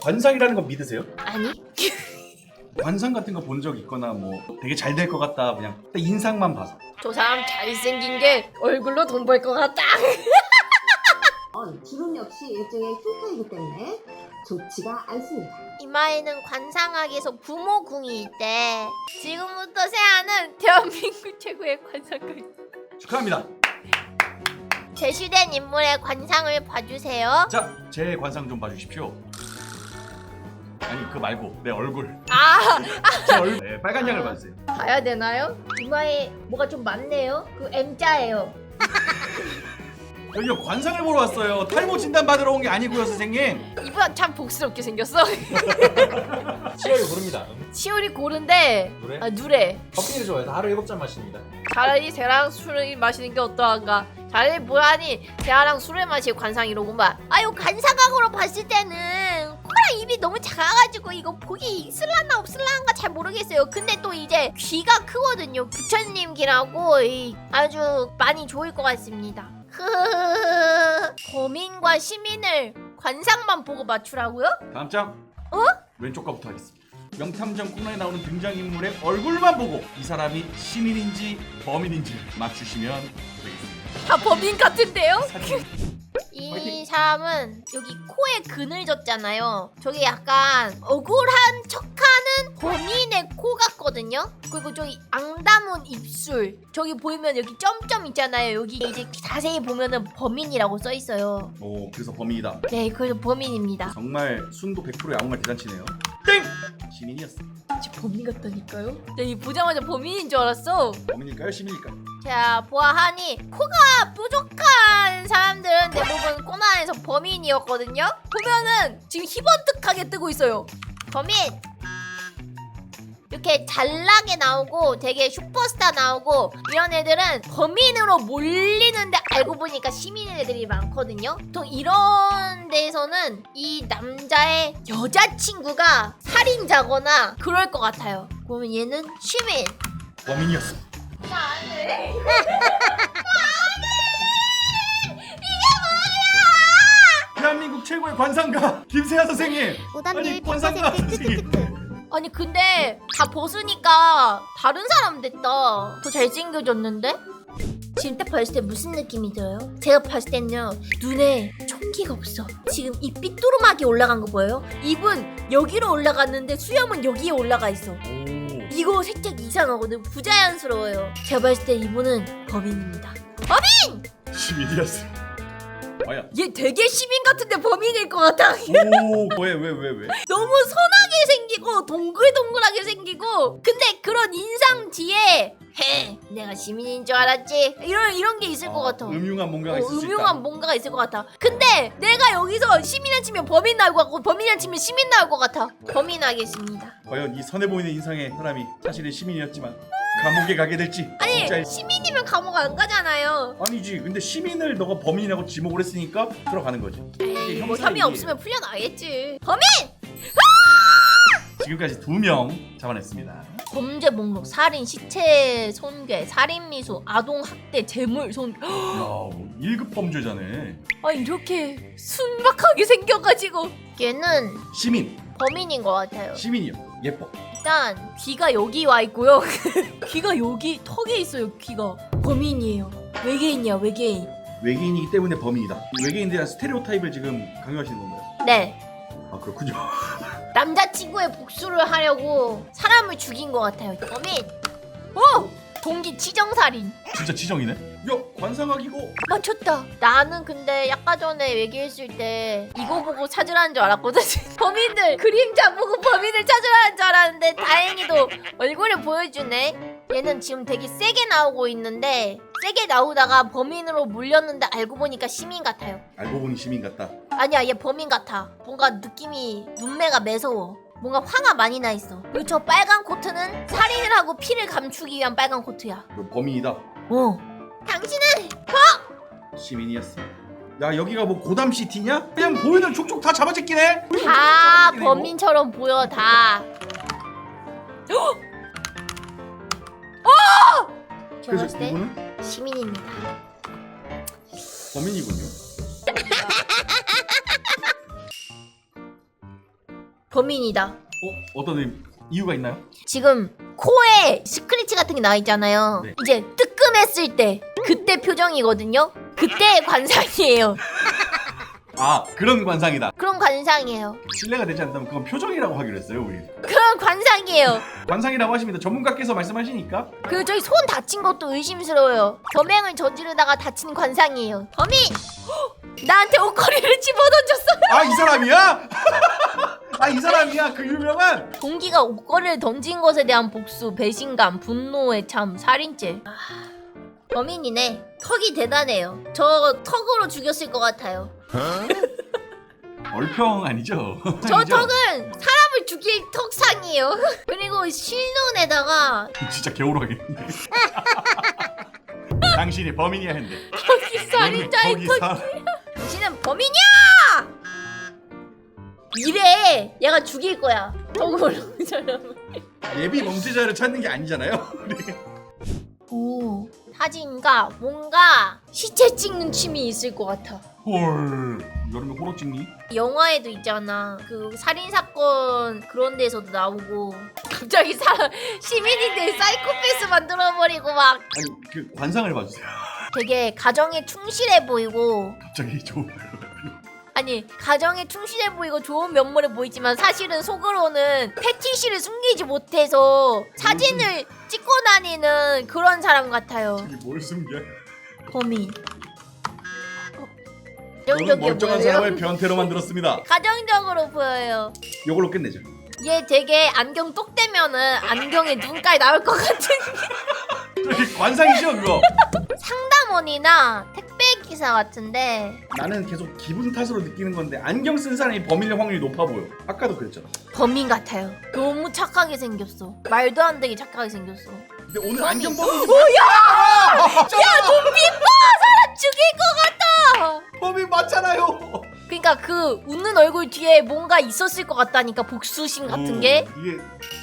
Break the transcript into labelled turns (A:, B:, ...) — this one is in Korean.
A: 관상이라는 건 믿으세요?
B: 아니?
A: 관상 같은 거 본 적 있거나 뭐 되게 잘 될 것 같다 그냥 딱 인상만 봐서.
B: 저 사람 잘생긴 게 얼굴로 돈 벌 것 같다.
C: 기분 역시 일종의 흉터이기 때문에 좋지가 않습니다.
B: 이마에는 관상학에서 부모궁이 있대. 지금부터 세아는 대한민국 최고의 관상가.
A: 축하합니다.
B: 제시된 인물의 관상을 봐주세요.
A: 자, 제 관상 좀 봐주십시오. 아니 그 말고 내 얼굴.
B: 아,
A: 제 얼굴. 네, 빨간 양을 봐주세요.
B: 봐야 되나요? 이마에 뭐가 좀 많네요. 그 M자예요.
A: 여기요 관상을 보러 왔어요. 탈모 진단 받으러 온 게 아니고요, 선생님.
B: 이분 참 복스럽게 생겼어.
D: 치열이 고릅니다.
B: 치열이 고른데
D: 노래?
B: 아 누래.
D: 커피를 좋아해서 하루에 7잔 마십니다.
B: 차라리 세아랑 술을 마시는 게 어떠한가. 차라리 뭐하니 세아랑 술을 마실 관상이로구만. 아유 관상학으로 봤을 때는 코랑 입이 너무 작아가지고 이거 보기 있을라나 없을라나 잘 모르겠어요. 근데 또 이제 귀가 크거든요. 부처님 귀라고 아주 많이 좋을 것 같습니다. 범인과 시민을 관상만 보고 맞추라고요?
A: 다음 장.
B: 어?
A: 왼쪽 거부터 하겠습니다. 명탐정 코너에 나오는 등장인물의 얼굴만 보고 이 사람이 시민인지 범인인지 맞추시면 되겠습니다.
B: 다 범인 같은데요?
A: 사진.
B: 이
A: 화이팅!
B: 사람은 여기 코에 그늘 졌잖아요. 저기 약간 억울한 척하는 범인의 코 같거든요. 그리고 저기 앙다문 입술. 저기 보이면 여기 점점 있잖아요. 여기 이제 자세히 보면은 범인이라고 써 있어요.
A: 오, 그래서 범인이다.
B: 네, 그래서 범인입니다.
A: 정말 순도 100%의 아무 말 대잔치네요. 땡! 시민이었어.
B: 진짜 범인 같다니까요? 나 이 보자마자 범인인 줄 알았어.
A: 범인일까요? 시민일까요?
B: 자, 보아하니 코가 뾰족한 사람들은 대부분 코난에서 범인이었거든요. 보면은 지금 희번뜩하게 뜨고 있어요. 범인! 이렇게 잘나게 나오고 되게 슈퍼스타 나오고 이런 애들은 범인으로 몰리는데 알고 보니까 시민인 애들이 많거든요. 보통 이런 데에서는 이 남자의 여자친구가 살인자거나 그럴 것 같아요. 그러면 얘는 시민.
A: 범인이었어.
B: 안돼.
A: 대한민국 최고의 관상가 김세아 선생님.
C: 오답률
A: 아니 관상가
C: 100%
A: 선생님.
B: 아니 근데 다 벗으니까 다른 사람 됐다. 더 잘생겨졌는데? 지금 딱 봤을 때 무슨 느낌이 들어요? 제가 봤을 때는요 눈에 총기가 없어. 지금 입 삐뚤음하게 올라간 거 보여요? 입은 여기로 올라갔는데 수염은 여기에 올라가 있어.
A: 오.
B: 이거 살짝 이상하거든. 부자연스러워요. 제가 봤을 때 이분은 범인입니다.
A: 시민이었어. 아야.
B: 얘 되게 시민 같은데 범인일 것 같아.
A: 오, 왜?
B: 너무 선하게 생기고 동글동글하게 생기고 근데 그런 인상 뒤에 헤 내가 시민인 줄 알았지 이런 게 있을 것 같아.
A: 음흉한 뭔가가 있을 수
B: 음흉한
A: 있다.
B: 뭔가가 있을 것 같아. 근데 내가 여기서 시민을 치면 범인 나올 것 같고 범인을 치면 시민 나올 것 같아. 범인 하겠습니다.
A: 과연 이 선해 보이는 인상의 사람이 사실은 시민이었지만 감옥에 가게 될지.
B: 아니
A: 진짜
B: 시민이면 감옥 안 가잖아요.
A: 아니지. 근데 시민을 너가 범인이라고 지목을 했으니까 들어가는 거지. 이게
B: 뭐
A: 형사
B: 혐의
A: 얘기예요.
B: 없으면 풀려나겠지. 범인!
A: 지금까지 2명 잡아냈습니다.
B: 범죄 목록 살인, 시체 손괴, 살인 미수, 아동 학대, 재물 손.
A: 야, 1급 범죄자네.
B: 아 이렇게 순박하게 생겨가지고 얘는
A: 시민.
B: 범인인 것 같아요.
A: 시민이요. 예뻐.
B: 일단 귀가 여기 와 있고요. 귀가 여기 턱에 있어요. 귀가 범인이에요. 외계인이야 외계인.
A: 외계인이기 때문에 범인이다. 외계인에 대한 스테레오타입을 지금 강요하시는 건가요?
B: 네.
A: 아 그렇군요.
B: 남자친구의 복수를 하려고 사람을 죽인 것 같아요. 범인. 오! 동기 치정살인.
A: 진짜 지정이네. 야 관상학이고.
B: 맞췄다. 나는 근데 아까 전에 얘기했을 때 이거 보고 찾으라는 줄 알았거든. 범인들 그림자 보고 범인을 찾으라는 줄 알았는데 다행히도 얼굴을 보여주네. 얘는 지금 되게 세게 나오고 있는데 세게 나오다가 범인으로 몰렸는데 알고 보니까 시민 같아요.
A: 알고 보니 시민 같다.
B: 아니야 얘 범인 같아. 뭔가 느낌이 눈매가 매서워. 뭔가 화가 많이 나 있어. 그리고 저 빨간 코트는 살인을 하고 피를 감추기 위한 빨간 코트야.
A: 너 범인이다.
B: 당신은
A: 시민이었어. 야 여기가 뭐 고담시티냐? 그냥 보이는 족족 다 잡아제끼네.
B: 다 범인처럼 보여 다. 제가
A: 그래서
B: 봤을 때
A: 이분은
B: 시민입니다.
A: 범인이군요.
B: 범인이다.
A: 어떤 이유가 있나요?
B: 지금 코에 스크래치 같은 게 나 있잖아요.
A: 네.
B: 이제 뜨끔했을 때 그때 표정이거든요. 그때의 관상이에요.
A: 아, 그런 관상이다.
B: 그런 관상이에요.
A: 신뢰가 되지 않다면 그건 표정이라고 하기로 했어요, 우리.
B: 그런 관상이에요.
A: 관상이라고 하십니다. 전문가께서 말씀하시니까.
B: 그리고 저기 손 다친 것도 의심스러워요. 범행을 저지르다가 다친 관상이에요. 범인! 나한테 옷걸이를 집어던졌어.
A: 아, 이 사람이야? 아, 이 사람이야? 그 유명한?
B: 동기가 옷걸이를 던진 것에 대한 복수, 배신감, 분노의 참, 살인죄. 범인이네. 턱이 대단해요. 저 턱으로 죽였을 것 같아요.
A: 얼평 아니죠?
B: 저
A: 아니죠?
B: 턱은 사람을 죽일 턱상이에요. 그리고 실눈에다가
A: 진짜 개울하겠는데. 당신이 범인이야 했는데.
B: 턱이 살인자의
A: 거기
B: 턱. 당신은 범인이야! 이래. 얘가 죽일 거야. 턱으로 사람을.
A: 예비 범죄자를 찾는 게 아니잖아요.
B: 오, 사진가 뭔가 시체 찍는 취미 있을 것 같아.
A: 헐. 여름에 호러 찍니?
B: 영화에도 있잖아. 그 살인 사건 그런 데서도 나오고 갑자기 시민인데 사이코패스 만들어 버리고 막
A: 아니, 그 관상을 봐주세요.
B: 되게 가정에 충실해 보이고
A: 갑자기 좋은 말.
B: 아니 가정에 충실해 보이고 좋은 면모를 보이지만 사실은 속으로는 패티시를 숨기지 못해서 사진을 찍고 다니는 그런 사람 같아요.
A: 이게 뭘 숨겨?
B: 범인.
A: 저는
B: 가정적이어
A: 멀쩡한
B: 보여요.
A: 사람을 변태로 만들었습니다.
B: 가정적으로 보여요.
A: 이걸로 끝내죠.
B: 얘 되게 안경 똑 떼면은 안경에 눈깔 나올 것 같은
A: 저기 관상이죠, 그거?
B: 상담원이나 택배 기사 같은데
A: 나는 계속 기분 탓으로 느끼는 건데 안경 쓴 사람이 범인일 확률이 높아 보여. 아까도 그랬잖아.
B: 범인 같아요. 너무 착하게 생겼어. 말도 안 되게 착하게 생겼어.
A: 근데 오늘 안경 범인
B: 야 눈빛 봐! 사람 죽일 것 같다!
A: 범인 맞잖아요.
B: 그러니까 그 웃는 얼굴 뒤에 뭔가 있었을 것 같다니까 복수심 같은 게.
A: 이게